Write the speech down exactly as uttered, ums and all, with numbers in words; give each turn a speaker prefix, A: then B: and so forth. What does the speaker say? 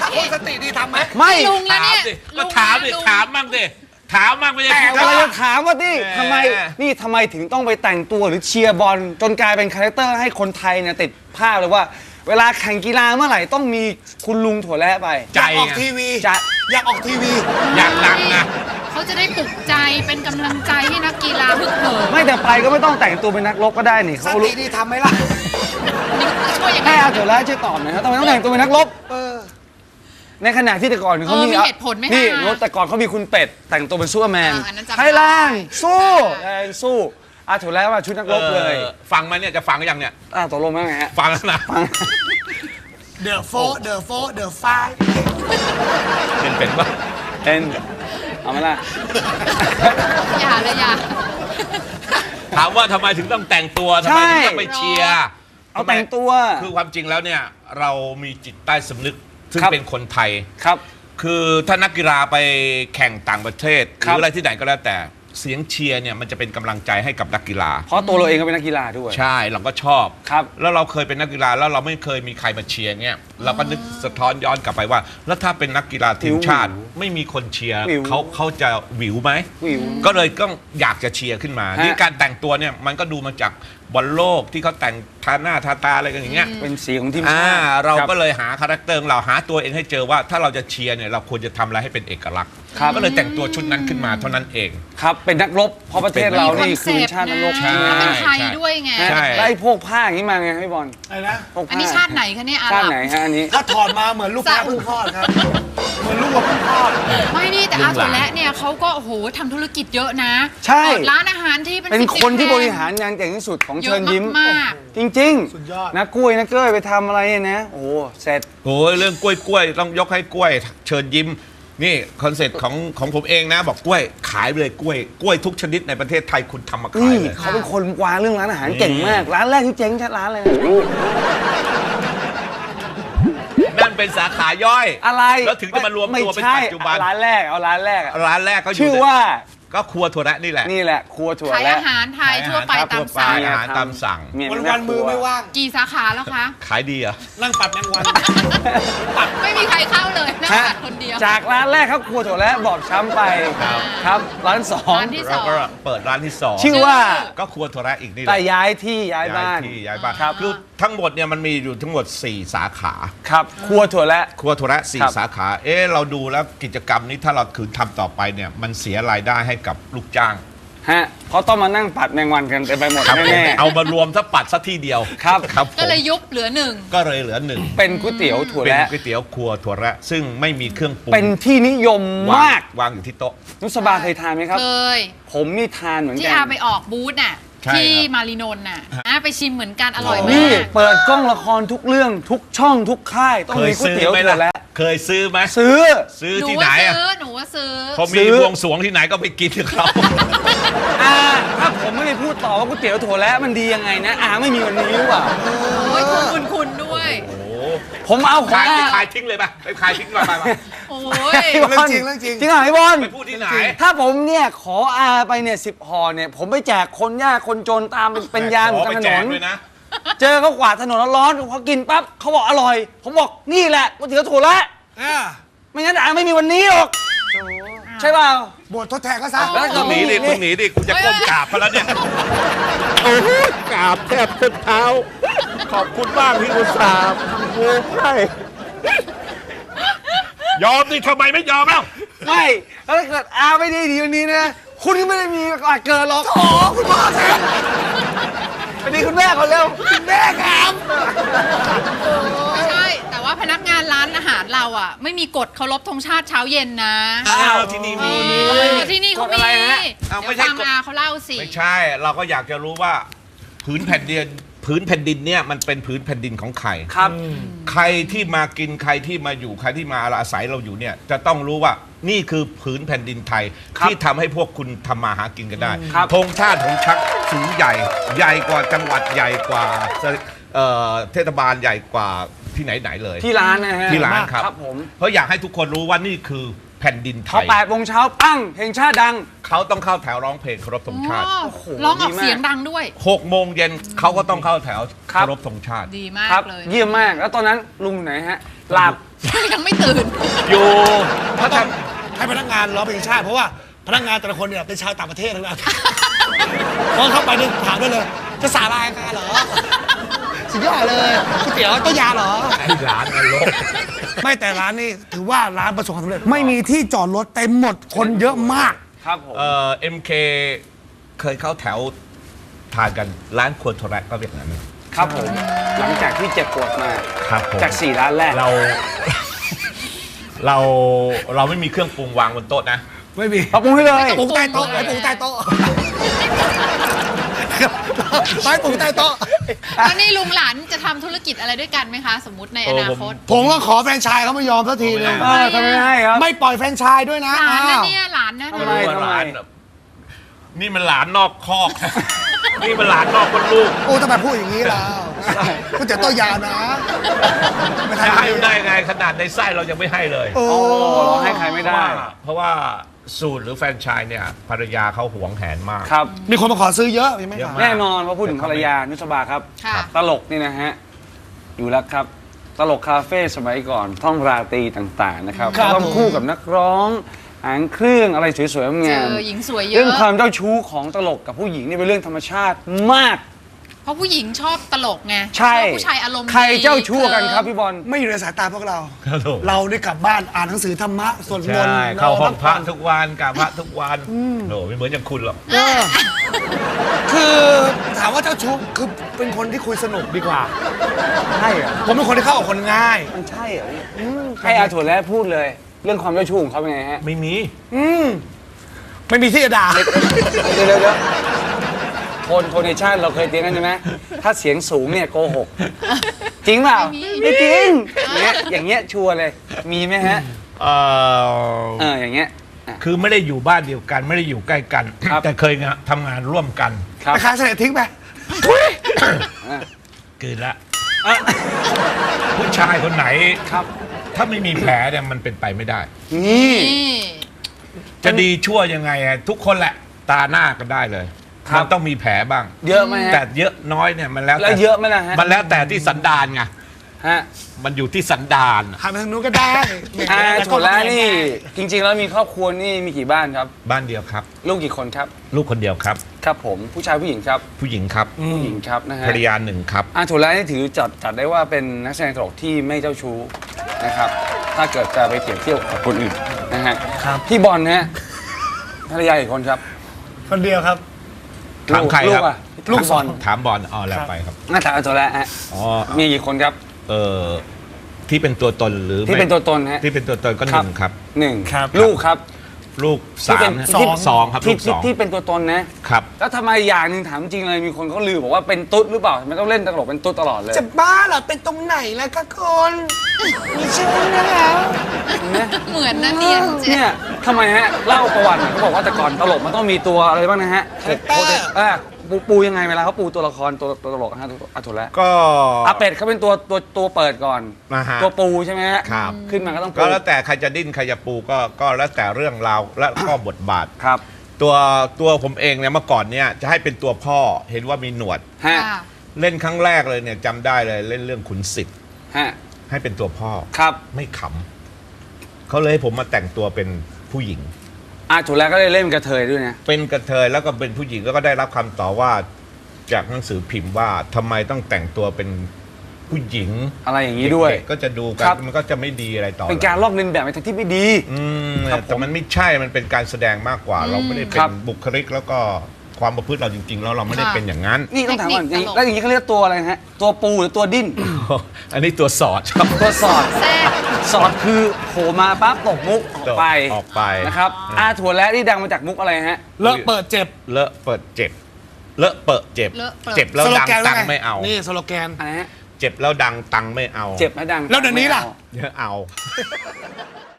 A: คนสติดีทำไหม
B: ไม่
C: ลุงแล้วเนี่ย
D: ก็ถามดิถามมั่งดิถามมั่งไม่ใช่
B: แต่
D: คิด
B: เรา
D: ว่า
B: จะถามว่านี่ทำไมนี่ทำไมถึงต้องไปแต่งตัวหรือเชียร์บอลจนกลายเป็นคาแรคเตอร์ให้คนไทยเนี่ยติดภาพเลยว่า เวลาแข่งกีฬาเมื่อไหร่ต้องมีคุณลุงถั่วแระไป
D: ใจ
A: อยากออกทีวี
B: จะ
A: อยากออกทีวี
D: อยากดังนะ
C: เขาจะได้ปลุกใจเป็นกำลังใจให้นักกีฬาฮึกเหิม
B: ไม่แต่ไปก็ไม่ต้องแต่งตัวเป็นนักรบก็ได้นี่
A: ส
B: เขารู้
A: ติดีทำไหมล่ะ
C: นี่จะช่วยยังไง
B: ให้อาถั่วแระช่วยตอบหน่อยครับทำไมต้องแต่งตัวเป็นนักรบ
A: เออ
B: ในขณะที่แต่ก่อนเขา
C: เออ
B: มี
C: มีเหตุผลไหมคะ
B: นี่รถแต่ก่อนเขามีคุณเป็ดแต่งตัวเป็นซูเปอร์แมน
C: อ่าอันนั้นจำได้
B: ไทยแลนด์สู้ไทยแลนด์สู้อาถั่วแระมาชุดนักรบเลย
D: ออฟังไหมเนี่ยจะฟังหรือยังเนี่ย
B: อ่าตกลงไหมไงฮะ
D: ฟังแล้วนะ
B: ฟัง
A: The f o r The f o r The f i v
D: เป็นเป็นปะ
B: เป็นเอามาละ
C: อย่าเลยอย่า
D: ถามว่าทำไมถึงต้องแต่งตัวทำไมถึงต้องไปเชียร์
B: เอาแต่งตัว
D: คือความจริงแล้วเนี่ยเรามีจิตใต้สำนึกซึ่ง
B: ครับ
D: เป็นคนไทย
B: ครับ
D: คือถ้านักกีฬาไปแข่งต่างประเทศห
B: ครั
D: รื
B: บ
D: ออะไรที่ไหนก็แล้วแต่เสียงเชียร์เนี่ยมันจะเป็นกำลังใจให้กับนักกีฬา
B: เพราะตัวเราเองก็เป็นนักกีฬาด้วย
D: ใช่เราก็ชอบ
B: ครับ
D: แล้วเราเคยเป็นนักกีฬาแล้วเราไม่เคยมีใครมาเชียร์เนี่ยเราก็นึกสะท้อนย้อนกลับไปว่า แล้วถ้าเป็นนักกีฬาทีมชาติไม่มีคนเชียร์
B: วิว
D: เขาเขาจะหวิวไหม
B: วิว
D: ก็เลยต้องอยากจะเชียร์ขึ้นมา
B: ฮะ
D: นี่การแต่งตัวเนี่ยมันก็ดูมาจากบอลโลกที่เขาแต่งทาหน้าทาตาอะไรกันอย่างเงี้ย
B: เป็นสีของทีม
D: อ่า
B: ชาติ
D: เรา
B: คบ
D: ก็เลยหาคาแรคเตอร์ของเราหาตัวเองให้เจอว่าถ้าเราจะเชียร์เนี่ยเราควรจะทำอะไรให้เป็นเอกลักษณ์
B: ครับ
D: ก็เลยแต่งตัวชุดนั้นขึ้นมาเท่านั้นเอง
B: ครับเป็นนักรบเพราะประเทศเรานี่คือเป็นชาตินักรบ
D: ใช่
C: แล้วเป็นไทยด้วยไง
B: ฮะ
D: ใช่
B: แล้วไอ้พวกผ้าอย่างนี้มาไงพี่บอล
A: อะไรนะ
B: พวกผ้
C: อันนี้ชาติไหนคะเนี่ยอา
B: ชา
C: ห
B: ติ
C: รับ
B: ไหนฮะอันนี้
A: ถ้าถอดมาเหมือนลูกแพะเพิ่งคลอดครับ เหมือนลูกวัวเพิ่งคลอด
C: ไม่นี่แต่อาถั่วแระเนี่ยเขาก็โอ้โหทำธุรกิจเยอะนะ
B: ใช่
C: เปิดร้านอาหารที่เป็น
B: เป็น
C: สิบ
B: คนที่
C: แห่ง
B: บริหารงานเก่งที่สุดของ
C: เย
B: เชิ
C: อะ
B: ญยิ้ม
C: มาก
B: จริง
A: สุดยอด
B: ๆนะกล้วยนะเก้ยไปทำอะไรเนี่ยนะ โอ้โหเสร็จ
D: โอ้ยเรื่องกล้วยกล้วยต้องยกให้กล้วย เชิญยิ้มนี่คอนเซ็ปต์ของของผมเองนะ บอกกล้วยขายไปเลยกล้วยกล้วยทุกชนิดในประเทศไทยคุณทำมาขาย
B: นี่
D: เลย
B: เขาเป็นคนวางเรื่องร้านอาหารเก่งมาก ร้านแรกที่เจ๊งชัดร้านเลยนะ
D: นั่นเป็นสาขาย่อย
B: อะไร
D: แล้วถึงจะมารวมตัวเป็น
B: ไใช่
D: ปัจจุบัน
B: ร้านแรกเอาร้านแรกอะ
D: ร้านแรกก็อยู่
B: ชื่อว่า
D: ก็ครัวถั่วแระนี่แหละ
B: นี่แหละครัวถั่ว
C: ขาย
B: แระ
C: อาหารไทยทั่วไปตาม
D: ทั่วไป
C: สั่ง
D: อาหารตามสั่ง
B: เย
A: วัน
B: เป็
A: วันๆมือไม่ว่าง
C: กี่สาขาแล้วคะ
D: ขายดีเหรอ่ะ
A: นั่งปัดแมงวัน
C: ไม่มีใครเข้าเลยนะ
B: ฮะ
C: คนเดียว
B: จากร้านแรกครับครัวถั่วแระบอบช้ำไปครับร้านสอง
C: ร้านที่
D: เราก็เปิดร้านที่สอง
B: ชื่อว่า
D: ก็ครัวถั่วแระอีกนี่แห
B: แต่
D: ละ
B: ย้ายที่ย้ายบ้าน
D: ที่ย้ายบ้าน
B: ครับ
D: คือทั้งหมดเนี่ยมันมีอยู่ทั้งหมดสี่สาขา
B: ครับครัวถั่วแระ
D: ครัวถั่วแระสี่
B: ครับ
D: สาขา เอ๊ะเราดูแล้วกิจกรรมนี้ถ้าเราคืนทำต่อไปเนี่ยมันเสียรายได้ให้กับลูกจ้าง
B: ฮะเขาต้องมานั่งปัดแมงวันกันเต็มไปหมด
D: ครับผม
B: แน่
D: เอามารวมสักปัดสักที่เดียว
B: ครับ
D: ครับผม
C: ก็เลยยุบเหลือหนึ่ง
D: ก็เลยเหลือหนึ่ง
B: ๆเป็นก๋วยเตี๋ยวถั่ว
D: เป็น
B: แระ
D: ก๋วยเตี๋ยวครัวถั่วแระซึ่งไม่มีเครื่องปรุง
B: เป็นที่นิยม
D: วาง
B: มาก
D: วางอยู่ที่โต๊ะ
B: นุสบาเคยทานไหมครับ
C: เคย
B: ผมนี่ทานเหมือน
C: ที่
B: กัน
C: อาไปออกบูธน่ะ
D: ใช่
C: ที่
D: ครับ
C: มารีนนท์น่ะอ่ะไปชิมเหมือนกันอร่อย
B: นี่
C: มาก
B: เปิดกล้องละครทุกเรื่องทุกช่องทุกค่ายต้อง
D: เคย
B: มีก๋วย
D: ซื้อ
B: เตี๋ยว
D: ไหม
B: ถั่วแระ
D: ล่ะเคยซื้อไหม
B: ซื้อ
D: ซื้อ
C: หนู
D: ที่ไหน
C: ว่า
D: อะ
C: ซื้อหนูว่าซื้อ
D: พอ
B: ซื้
D: มี
B: อ
D: บวงสรวงที่ไหนก็ไปกินกับเขา
B: อ่าถ้าผมไม่ได้พูดต่อว่าก๋วยเตี๋ยวถั่วแระมันดียังไงนะอาไม่มีวันนี้หรือเปล่า
C: โอ้ยคุณคุณด้วย
D: โอ้โห
B: ผมเอาของ
D: ขายไป
B: อา
D: ขายทิ้งเลยป่ะไปขายทิ้งไปไปไป
C: โอ้ย
B: ไอ้บอล
A: เรื่องจริงเรื่องจริง
B: จริงเหรอไอ้บอล
D: ไปพูดที่ไหน
B: ถ้าผมเนี่ยขออาไปเนี่ยสิบห่อเนี่ยผมไปแจกคนยากคนจนตามเป็นเป็นยามอยู่
D: ขอก
B: ลางถ
D: ไปแจ
B: น
D: ก
B: น
D: ด้วยนะ
B: เจอเขากวาดถนนร้อนๆพอกินปั๊บเขาบอกอร่อย ผมบอกนี่แหละก๋วยเตี๋ยวถั่วแระ
A: อ่า
B: ไม่งั้นอาไม่มีวันนี้หรอกใช่เปล่า
A: บททดแทนก็ซะ
B: แล้วก็
D: คุณหนีดิคุณหนีดิคุณจะก้มกราบเขาแล้วเนี่ย โอ้โหกราบแทบเท้าเท้า ขอบคุณมากที่อุตส่าห์โอ้ให้ยอมดิทำไมไม่ยอมเล่า
B: ไม่แล้วถ้าเกิดอาไม่ได้ดีวันนี้นะคุณก็ไม่ได้มีโอกาสเกิดหรอก
A: โอ้คุณพ่อแทน
B: ไปดีคุณแม่เขาเร็วคุณแม่ครับ
C: ไม่ใช่ แต่ว่าพนักงานร้านอาหารเราอ่ะ ไม่มีกฎเคารพธงชาติเช้าเย็นนะ
D: อ้าวที่นี่มี
C: เออที่นี่เขา
B: กฎอะไร
C: มี
B: ฮะ
D: อ้าวไม่
C: เดี๋ยว
D: ใช่
C: ฟัง
D: กฎ
C: อาเขาเล่าสิ
D: ไม่ใช่ เราก็อยากจะรู้ว่าผืนแผ่นดินผืนแผ่นดินเนี่ยมันเป็นผืนแผ่นดินของใคร
B: ครับ
D: ใครที่มากินใครที่มาอยู่ใครที่มาอาศัยเราอยู่เนี่ยจะต้องรู้ว่านี่คือผืนแผ่นดินไทย
B: ครับ
D: ที่ทำให้พวกคุณทำมาหากินกันได้
B: ครับ
D: ธงชาติของชักสูงใหญ่ ใหญ่กว่าจังหวัดใหญ่กว่าเอ่อเทศบาลใหญ่กว่าที่ไหนไหนๆเลย
B: ที่ร้านนะฮะ
D: ที่ร้านครับ
B: ครับผม
D: เพราะอยากให้ทุกคนรู้ว่านี่คือแผ่นดินไท
B: พอย แปดโมงเช้าปั้งเพลงชาติดัง
D: เขาต้องเข้าแถวร้องเพลงเคารพธงชาติ
C: อ๋อ
B: โอ้โห
C: ร้องออก
B: ดีมาก
C: เสียงดังด้วย
D: หกโมงเย็นเขาก็ต้องเข้าแถว
B: ครับ
D: เคารพธงชาติ
C: ดีมา
B: ครั
C: ก
B: บ
C: เลย
B: เยี่ยมมากแล้วตอนนั้นลุงอยู่ไหนฮะหลับ
C: ยังไม่ตื่น
D: อยู่ถ้าท
A: ให้พนักงานร้องเพลงชาติเพราะว่าพนักงานแต่ละคนเนี่ยเป็นชาวต่างประเทศทั้งนั้นพอเข้าไปเนี่ยถามได้เลย จะสาลายงานเหรอสุดยอดเลยก๋วยเตี๋ยวต้มยาเหรอ
D: ำไอ้ร้านนรก
A: ไม่แต่ร้านนี้ถือว่าร้านประสบความสำเร็จไม่มีที่จอดรถเต็มหมดคนเยอะมาก
B: ครับผม
D: เอ่อ เอ็ม เค เคยเข้าแถวทานกันร้านครัวโทรแรกก็แบบนั้น
B: ครับผม หลังจากที่เจ็บปวดมา
D: ครับผม
B: จากสี่ร้านแรก
D: เรา เราเราไม่มีเครื่องปรุงวางบนโต๊ะนะ
A: ไม่มี
B: ปรับปรุงให้เลย
A: ปรุงใต้โต๊ะไอ้ปรุงใต้โต๊ะไม้ปรุงใต้โต๊ะ
C: แล้วนี่ลุงหลานจะทำธุรกิจอะไรด้วยกันไหมคะ สมมติในอนาคต
A: ผมก็ขอแฟรนไชส์เขาไม่ยอมสักทีนึง
B: เออทำไมไม่ให้ครับ
A: ไม่ปล่อยแฟรนไชส์ด้วยนะ
C: หลานนะ
A: อ้าว
C: เนี่ยหลานนะ
B: ทำไม
D: ว่าหลานแบบนี่มันหลานนอกคอก นี่มันหลานนอกคนลูก
A: โอ้ทำไมพูดอย่างนี้ล่ะก๋วยเตี๋ยวต้มยานะไม่
D: จะ
A: ทำ
D: ให้ได้ไงขนาดในไส้เรายังไม่ให้เลย
A: โอ้
B: โอ้เราให้ใครไม่ได้
D: เพราะว่าสูตรหรือแฟรนไชส์เนี่ยภรรยาเขาหวงแหนมาก
B: ครับ
A: มีคนมาขอซื้อเยอะยังไม่
D: เยอะ
A: ขาย
D: มาก
B: แน่นอนว่าพูดถึงภรรยานุสบาครับ
C: ค่ะ
B: ตลกนี่นะฮะ อยู่แล้วครับ ตลกคาเฟ่สมัยก่อน ท่องราตรีต่างๆนะครับ
A: ครับ
B: ต้องคู่กับนักร้องหางเครื่องอะไรสวยๆ
C: เจ
B: งาม
C: อหญิงสวยเย
B: เรื่อง
C: อะ
B: ความเจ้าชู้ของตลกกับผู้หญิงนี่เป็นเรื่องธรรมชาติมาก
C: เพราะผู้หญิงชอบตลกไง
B: ใช่
C: ชอบผู้ชายอารมณ์ดี
B: ใครเจ้าชู้กันครับพี่บอล
A: ไม่อยู่ในสายตาพวกเรา
D: ครับผม
A: เราได้กลับบ้านอ่านหนังสือธรรมะสวดมน
D: ใช่
A: ต์
D: เข้าห้องพระ
A: นน
D: ทุกวันกราบพระทุกวันโหไม่เหมือนอย่างคุณหรอก
A: เออคือถามว่าเจ้าชู้คือเป็นคนที่คุยสนุกดีกว่า
B: ใช่เหรอ
A: ผมเป็นคนที่เข้ากับคนง่าย
B: มันใช่เหรอให้อาถั่วแล้วพูดเลย เรื่องความเจ้าชู้ของเขาเป็นไงฮะ
D: ไม่มี
A: อืมไม่มีที่จะด่า
B: เดี๋ยวเดี๋ยวเดี๋ยวโทนโทนในชาติเราเคยเตียงกันใช่ไหมถ้าเสียงสูงเนี่ยโกหก จริงเปล่า
C: ไม่มี
B: ไม่จริงอย่างเงี้ยอย่างเงี้ยชัวร์เลย มีไหมฮะ
D: เอ่อ
B: เอออย่างเงี้ยอ่ะ
D: คือไม่ได้อยู่บ้านเดียวกันไม่ได้อยู่ใกล้กัน
B: ครับ
D: แต่เคยงะทำงานร่วมกัน
B: ครับ
A: ไปขายเสร็จทิ้งไป
B: อ่ะ
D: เกินละ
B: อ่ะ
D: ผู้ชายคนไหน
B: ครับ
D: ถ้าไม่มีแผลเนี่ยมันเป็นไปไม่ได้
B: นี่
C: นี่
D: จะดีชั่วยังไงอะทุกคนแหละตาหน้ากันได้เลย
B: ครับ
D: มันต้องมีแผลบ้าง
B: เยอะไหมฮะ
D: แต่เยอะน้อยเนี่ยมันแล้ว
B: แล้ว
D: แต่
B: เยอะไหมล่ะฮะ
D: มันแล้วแต่ที่สันดานไง
B: ฮะ
D: มันอยู่ที่สันดาน
A: หันไปทางนู้นก็ได้
B: อ่าถั่วแล้วนี่ จริง ๆ แล้วมีครอบครัวนี่มีกี่บ้านครับ
D: บ้านเดียวครับ
B: ลูกกี่คนครับ
D: ลูกคนเดียวครับ
B: ครับผมผู้ชายผู้หญิงครับ
D: ผู้หญิงครับ
B: ผู้หญิงครับนะฮะ
D: ภรรยาหนึ่งครับ
B: อาถั่วแล้วนี่ถือจัดจัดได้ว่าเป็นนักแสดงตลกที่ไม่เจ้าชู้นะครับ ถ้าเกิดจะไปเปรียบเทียบกับคนอื่นนะฮะ
A: ครับ
B: พี่บอลนะฮะภรรยาอีกคนครับ
A: คนเดียวครับ
D: ถามใคร
B: ลู
D: ครั
B: ก
D: บ
B: อะลูกบอล
D: ถามบอลอ๋อแล้วไปครับ
B: น่าถามอาถั่วแล้วฮะ
D: อ๋อ
B: มีกี่คนครับ
D: เออที่เป็นตัวตนหรือ
B: ที่
D: ไม่
B: เป็นตัวตนฮะ
D: ที่เป็นตัวตนก็หนึ่งครับ
B: หนึ่ง
A: ครับ
B: ลูกครับ
D: ลูก
B: ที่
D: สา
B: เป็
D: ม
B: น
D: นะ
B: ที่
D: สองครับ
B: ที่
D: ลูกสอง
B: ที่เป็นตัวตนนะ
D: ครับ
B: แล้วทำไมอย่างหนึ่งถามจริงเลยมีคนเขาลือบอกว่าเป็นตุ๊ดหรือเปล่าทำไมต้องเล่นตลกเป็นตุ๊ดตลอดเลย
A: จะบ้าเหรอ เป็นตรงไหนแล้วก็คนมีชื่อนะครับ
C: เหมือนนะเนี่ยเจ๊
B: เนี่ยทำไมฮะเล่าประวัติหน่อยเขาบอกว่าแต่ก่อนตลกมันต้องมีตัวอะไรบ้างนะฮะ
A: คาแรคเตอร์
B: เออปูปูยังไงเวลาเขาปูตัวละครตัวตัวตลกฮะอาถั่วแล้ว
D: ก็
B: อาเป็ดเขาเป็นตัวตัวตัวเปิดก่อน
D: นะฮะ
B: ตัวปูใช่ไหมฮะ
D: ครับ
B: ขึ้นมาก็ต้องปู
D: ก็แล้วแต่ใครจะดิ้นใครจะปูก็ก็แล้วแต่เรื่องราวและก็บทบาท
B: ครับ
D: ตัวตัวผมเองเนี่ยเมื่อก่อนเนี่ยจะให้เป็นตัวพ่อเห็นว่ามีหนวด
B: ฮะ
C: ค่ะ
D: เล่นครั้งแรกเลยเนี่ยจำได้เลยเล่นเรื่องขุนศิษย์
B: ฮะ
D: ให้เป็นตัวพ่อ
B: ครับ
D: ไม่ขำเขาเลยให้ผมมาแต่งตัวเป็นผู้หญิง
B: อาถั่วแล้วก็ได้เล่นกระเทยด้วยนะ
D: เป็นกระเทยแล้วก็เป็นผู้หญิงแล้วก็ได้รับคำต่อว่าจากหนังสือพิมพ์ว่าทำไมต้องแต่งตัวเป็นผู้หญิง
B: อะไรอย่างนี้ด้วย
D: เด็กๆก็จะดูกั
B: คน รับ
D: มันก็จะไม่ดีอะไรต่อ
B: เป็นการลอกเลียนแบบในทางที่ไม่ดี
D: อืม
B: ครับผม
D: แต่มันไม่ใช่มันเป็นการแสดงมากกว่า เราไม่ได้เป็
B: ครั
D: น
B: บ
D: บุคลิกแล้วก็ความประพฤติเราจริงๆแล้วเราไม่ได้
C: ค่ะ
D: เป็นอย่างนั้น
B: นี่ต้องถามก่อน
C: เทคนิคตลก
B: แล้วอย่างนี้เขาเรียกตัวอะไรนะฮะตัวปูหรือตัวดิ้น
D: อันนี้ตัวสอดครับ
B: ตัวสอด
C: แทรก
B: สอดคือโผล่มาปั๊บตกมุกออกไป
D: ออกไป
B: นะครับอาถั่วและนี่ดังมาจากมุกอะไรฮะ
A: เลอะเปิดเจ็บ
D: เลอะเปิดเจ็บ เลอะเปิดเจ็บ
C: เลอะเปิด
D: เจ็บแล้ว
A: สโล
D: ดัง
A: แกน
D: ตั
A: ว่าง ไง
D: ไม่เอา
A: นี่สโลแกน
B: อะไรฮะ
D: เจ็บแล้วดังตังไม่เอา
B: เจ็บและดัง
A: แล้วเดี๋ยวนี้ล่ะ
D: เดี๋ยวเอา